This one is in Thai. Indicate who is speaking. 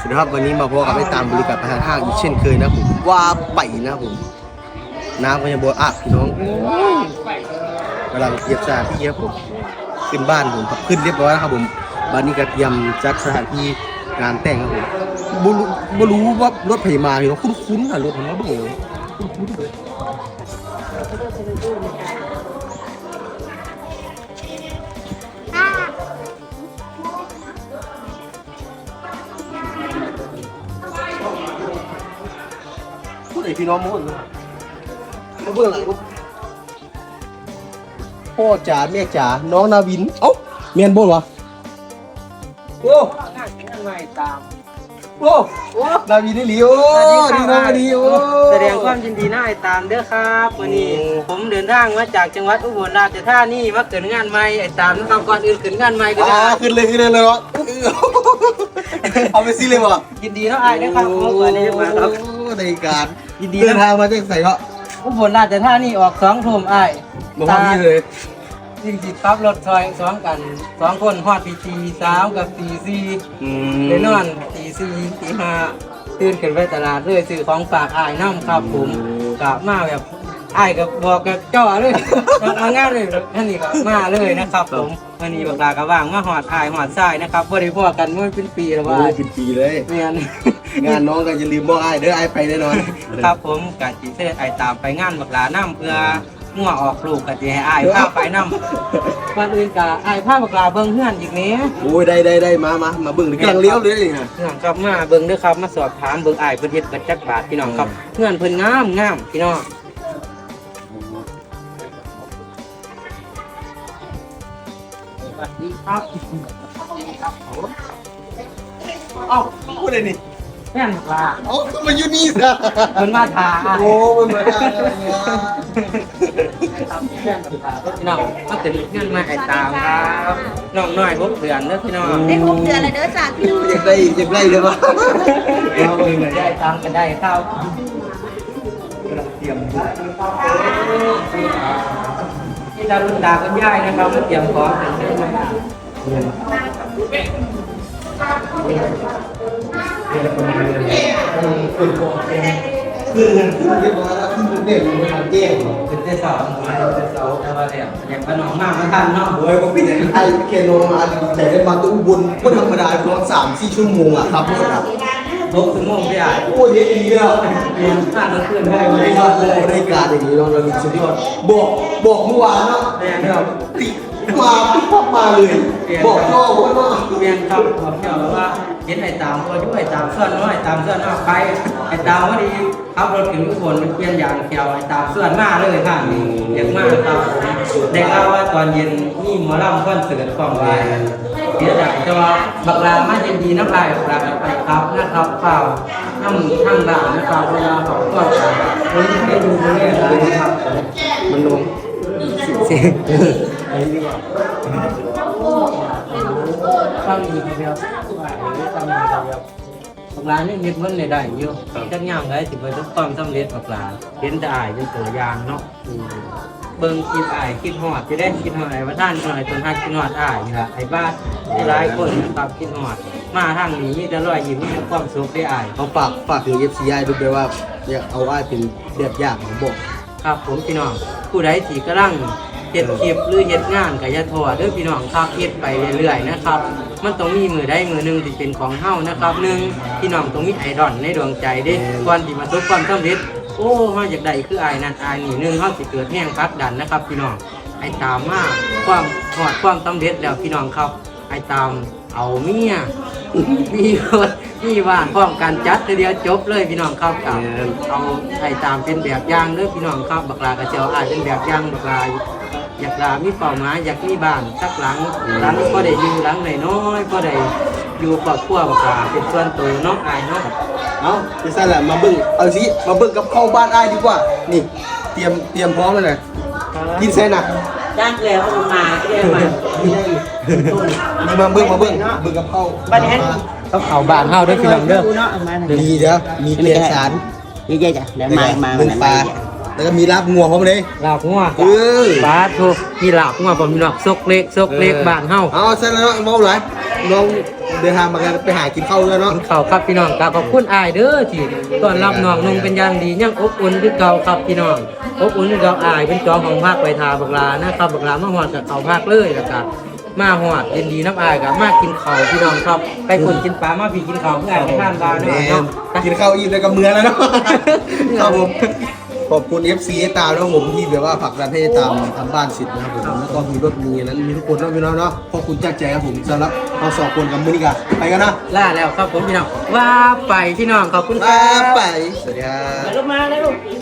Speaker 1: สวัสดีครับวันนี้มาพบกับไอ้ตามบริการประธานห้างอีกเช่นเคยนะผมว่าไปนะผมน้ำก็ยังบัวพี่น้องกำลังเตรียมสถานที่ครับผมขึ้นบ้านผมครับขึ้นเรียบร้อยแล้วครับผมบ้านนี้ก็เตรียมจัดสถานที่งานแต่งครับผมบ่รู้ว่ารถไถมาพี่น้องคุ้นๆค่ะรถผมมาบ่เลยคุ้นๆเลยพูดไอ้พี่น้องมุ่นมาเบื้องหลังพ่อจ๋าแม่จ๋าน้องนาวินเอ้าเมียนบ่นวะโอ้โอ้นาวินนี่หลีโอ้ดีน้องดีโอ้
Speaker 2: แสดงความยินดีหน้าไอ้ตามเด้อครับวันนี้ผมเดินทางมาจากจังหวัดอุบลราชธานีมาเกิดงานใหม่ไอ้ตามนะครับก่อนอื่นเกิดงานใหม่ก็ได้
Speaker 1: ขึ้นเลยวะเอาไปซิเลยวะ
Speaker 2: ยินดีเนาะไอ้เด้อครับขอบคุณที่มาครับ
Speaker 1: ในการยินดีเดินทางมาจากใส่ก็
Speaker 2: อุบลราชธานีออก2 ทุ่มไอ้
Speaker 1: บอกว่าพี่เลย
Speaker 2: จริงๆขับรถซอย2กัน2คนฮอดตี3กับตี4ได้นอนตี4ตี5ตื่นขึ้นไปตลาดเลยซื้อของฝากอ้ายน้ำครับผมกลับมาแบบอ้ายก็บอกกับเจ้าเลยมางานเลยท่านนี่ก็มาเลยนะครับผมวันนี้บักลาก็ว่างมาหอดอ้ายหอดทรายนะครับบ่ได้พอกันเมื่อเป็นปีแล้วว่า
Speaker 1: เป็นปีเลยงานน้องก็จะลืมบอกอ้ายเด้ออ้ายไปแน่นอน
Speaker 2: ครับผมกะจิเสด็จอ้ายตามไปงานบักลาน้ำเพื่อมั่วออกลูกกะจิให้อ้ายพาไปน้ำวันอื่นกะอ้ายพาบักลาเบิ่งเฮือนอีกนี้
Speaker 1: โอ้ยได้มาเบิ่งกำลังเลี้ยวเลยนะ
Speaker 2: พี่น้องครับมาเบิ่งเด้อครับมาสอบถามเบิ่งอ้ายเพิ่นเฮ็ดกันจักบาทพี่น้องครับเฮือนเพิ่นงามพี่น้องสวัสดีครับ
Speaker 1: เอ้าพูดอะไรนี่
Speaker 2: แม่นบักลา
Speaker 1: เอ้ามาอยู่นี่ซะ
Speaker 2: เพิ่นมาถา
Speaker 1: โอ้มันมาถา
Speaker 2: พี่น้องมาถึงเงินมาไอ้ตามครับน้องน้อย6 เดือนเด้อพี่น้อง
Speaker 3: ได้6 เดือนแล้วเด้อจ้าพี่น้อง
Speaker 1: อยากได้เลยวะ
Speaker 2: เราได้ตามกันได้ข้าวเตรียมที่ดารุณดาคุณยายนะครับมาเตรียมของถึงเรื่องมา
Speaker 1: คือเรียบร้อยแล้วขึ้นเด่นมาแจ้ง
Speaker 2: ขึ้นได้2แต่ว่าเนี่ยอย่างขนมมากไม่ทันเนาะ
Speaker 1: โอ้ยผมพี่ไอ้เคโนมาใส่ได้มาตู้บุญก็ธรรมดาประมาณ3-4 ชั่วโมงอ่ะครับรถอ่ะ
Speaker 2: 6 ชั่วโมงพี่อ่ะ
Speaker 1: โอ้ยดีแล้ว
Speaker 2: เรียนผ่านรถขึ้นได้ไม่ยอดเลย
Speaker 1: รายการอย่างนี้เรามีสุดยอดบอกเมื่อวานเนาะ
Speaker 2: เนี่ย
Speaker 1: ติมาเลยบอกพ่อว่า
Speaker 2: เรียนครับบอกเกี่ยวกับว่าเห็นไอ้ตามตัวช่วยไอ้ตามเสื้อน้อยไอ้ตามเสื้อน้อยไปไอ้ตามว่าดีขับรถถึงทุกคนเปลี่ยนยางเขียวไอ้ตามเสื้อหน้าเลยค่ะเด็กมากครับได้ข่าวว่าตอนเย็นนี่หมอลำคอนเสิร์ตของวายเดี๋ยวจะจะว่าบักลามาเย็นดีน้ำลายบักลาไปครับนะครับเปล่าทำด่านนะครับเวลาเขาก็วันนี้ให้ดูเนี่ยเลยครับ
Speaker 1: มันลง
Speaker 2: เสียงไอ้นี่ว่าฟังดีเดียวฟังดีเดียวบักลานี่เห็นมันได้อยู่จักย่างได้ถึงไปทุกความสำเร็จบักลาเห็นได้เป็นตัวอย่างเนาะเบิ่งคิดอ้ายคิดฮอดจะได้คิดฮอดไอ้ว่าท่านหน่อยต้นฮักคิดฮอดอ้ายนี่ล่ะไอ้บ้านหลายคนนะครับคิดฮอดมาทางนี้มีแต่รอยยิ้มมีแต่ความสุขได้อ้าย
Speaker 1: เขาฝากถึง FCI ด้วยว่าอยากเอาอ้ายเป็นแบบอย่างของบอก
Speaker 2: ครับผมพี่น้องผู้ใดที่กำลังเฮ็ดคลิปหรือเฮ็ดงานก็อย่าท้อเด้อพี่น้องครับเฮ็ดไปเรื่อยๆนะครับมันต้องมีมือใดมือหนึ่งที่เป็นของเฮานะครับ1พี่น้องต้องมีไอดอลในดวงใจเด้ก่อนที่มาประสบความสำเร็จโอ้เฮาอยากได้คืออ้ายนั่นอ้ายนี่1เฮาสิเกิดแรงผลักดันนะครับพี่น้องไอ้ตามมาความฮอดความสำเร็จแล้วพี่น้องครับไอ้ตามเอาเมียมีรถมีบ้านพร้อมกันจัดทีเดียวจบเลยพี่น้องครับเอาไอ้ตามเป็นแบบอย่างเด้อพี่น้องครับบักลากระเจียวอ้ายเป็นแบบอย่างบักลาอยากลามีเป้าหมายอยากมีบ้านสักหลังก็ได้อยู่หลังน้อยก็ได้อยู่ครอบครัวบักลาเป็นส่วนตัวน้องอ้ายเนาะ
Speaker 1: เอาจะสั่นแหละมาเบิ่งเอาสิมาเบิ่งกับเข้าบ้านอ้ายดีกว่านี่เตรียมพร้อมแล้วนะกินเส้นน่ะ
Speaker 2: จ้างแล้วมาเรียกมา
Speaker 1: นี่มาเบิ่งกับเข้า
Speaker 2: บ้านนี้เขาบ้านเฮาด้วยพี่น้องเด้อ
Speaker 1: ดีเด้อมีเกลียสาร
Speaker 3: นี่จ้ะเดี๋ยวมา
Speaker 1: เบิ่งปลาแล้วก็มีลาบงัวพร้อมเลย
Speaker 2: ลาบงัว
Speaker 1: เออ
Speaker 2: ปลาโทมีลาบงัวผมมีหนอกซกเล็กบ้านเฮา
Speaker 1: เอาเสร็จแล้วเมาไรน้องเดินทางมากันไปหากินข้าวแล้วเนาะ
Speaker 2: กินข้าวครับพี่น้องก็ขอบคุณอ้ายเด้อที่ต้อนรับน้องนุ่งเป็นอย่างดียังอบอุ่นคือเก่าครับพี่น้องอบอุ่นคือเก่าอ้ายเป็นจอของภาคไปทาบักลานะครับบักลามาฮอดกับเขาภาคเลยแล้วก็มาฮอดยินดีน้ำอ้ายกับมากินข้าวพี่น้องครับไปคนกินปลามาพี่กินข้าวเพื่ออ้ายไปทานบาร์
Speaker 1: แม่
Speaker 2: เนาะ
Speaker 1: กินข้าวอิ่มเลยกับเมือแล้วเนาะ ครับผมขอบคุณ FC ตามนะครับผมที่แบบว่าผลักดันให้ตามทำบ้านสิทธิ์นะครับผมแล้วก็มีรถมีนั้นมีทุกคนเนาะพี่น้องเนาะขอบคุณจากใจครับผมสำหรับเราสองคนกับมือนี้กันไปกันนะ
Speaker 2: ล่าแล้วครับผมพี่น้องว่าไปพี่น้องขอบคุณค
Speaker 1: มา
Speaker 2: รับ
Speaker 1: ไปสวัสดีครับ
Speaker 2: ลงมาเลยลูก